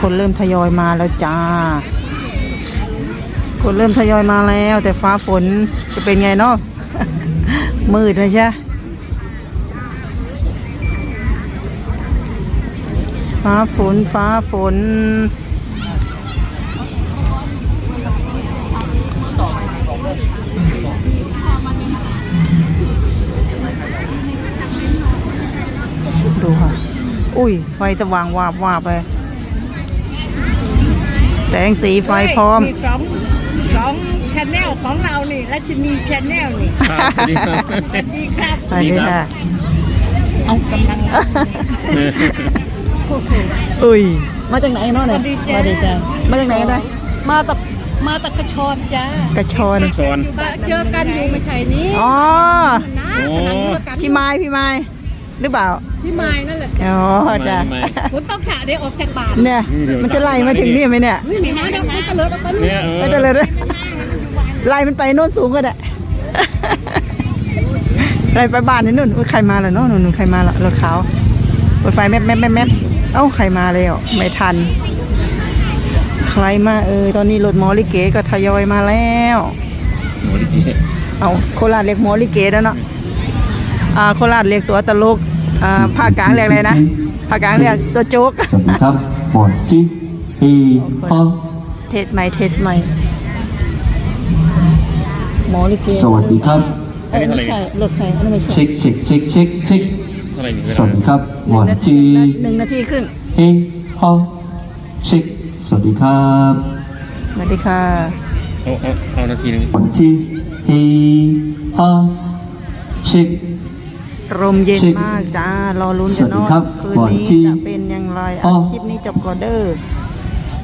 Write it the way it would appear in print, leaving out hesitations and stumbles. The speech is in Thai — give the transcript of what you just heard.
คนเริ่มทยอยมาแล้วจ้าคนเริ่มทยอยมาแล้วแต่ฟ้าฝนจะเป็นไงเนาะ มืดเลยใช่ฟ้าฝนดูค่ะอุ้ยไฟสว่างวาบไปแสงสีไฟพร้อมสองชาแนลของเรานี่และจะมีชาแนลนี่สวัสดีครับสวัสดีครับสวัสดีค่ะเอากำลังอุ้ยมาจากไหนเนาะเนี่ยสวัสดีจ้ามาจากไหนกันนะมาตะกระชอนจ้ากระชอนเจอกันอยู่ไม่ใช่นี้อ๋อนะพี่ไม้หรือเปล่าพี่ไม้นั่นแหละอ๋อจ้ะฝนตกฉะเดี๋ยวออกจากบ้านเนี่ยมันจะไล่มาถึงนี่ไหมเนี่ยไม่หาดอกมันตะเลิดออกไปนู่นไม่ตะเลิดไล่มันไปโน่นสูงก็ได้ไล่ไปบ้านนี่นู่นใครมาล่ะเนาะนู่นใครมาล่ะรถขาวรถไฟแมบเอ้าใครมาเลยไม่ทันใครมาตอนนี้รถหมอลิเกก็ทยอยมาแล้วหมอลิเกเอาโคราชเรียกหมอลิเกแล้วเนาะโคราชเรียกตัวตลกภาคกลางเรียกอะไรนะภาคกลางเรียกตัวโจ๊กสวัสดีครับหมอนจีอีฮอเทสใหม่หมอลิเกสวัสดีครับไม่ใช่รถใครอันนี้ไม่ใช่เช็คสวัสดีครับหมอนจี 1 นาทีครึ่งอีฮอเช็คสวัสดีครับสวัสดีค่ะเอานาทีนึงหมอนจีอีฮอเช็คลมเย็นมากจ้ารอลุ้นกันเนาะคืนนี้จะเป็นอย่างไรคลิปนี้จบก่อนเด้อ